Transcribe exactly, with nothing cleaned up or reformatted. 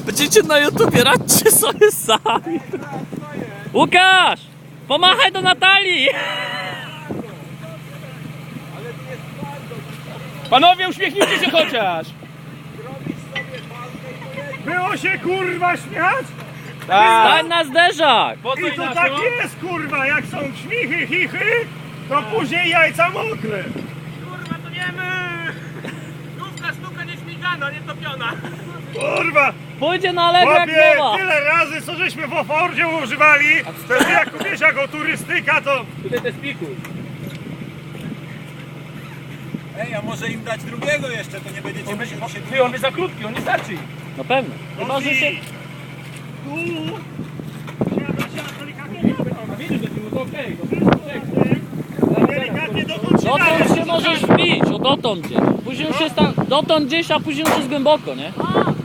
Będziecie na YouTubie, radźcie sobie sami. Łukasz! Pomachaj do Natalii! Panowie, uśmiechnijcie się chociaż! Było się kurwa śmiać? Stań na zderzak! Po co I to inaczej? tak jest kurwa, jak są śmichy, chichy, to później jajca mokre. Kurwa, to nie my! Główka sztuka nie śmigana, nie topiona. Kurwa, Pójdzie na lewo jak chłopie, nowa! tyle razy co żeśmy w Ofordzie używali, to ty jak wiesz jako turystyka to... Tutaj te spiku. Ej, a może im dać drugiego jeszcze, to nie będziecie musieli się... Ty, on jest za krótki, on nie starczy. No pewnie. Chyba, że się... Tu... Siada, siada, delikatnie, A widzisz, że to okej. delikatnie dotąd się Dotąd daje. się możesz wbić, o dotąd gdzieś. Później już jest tam, dotąd gdzieś, a później już jest głęboko, nie?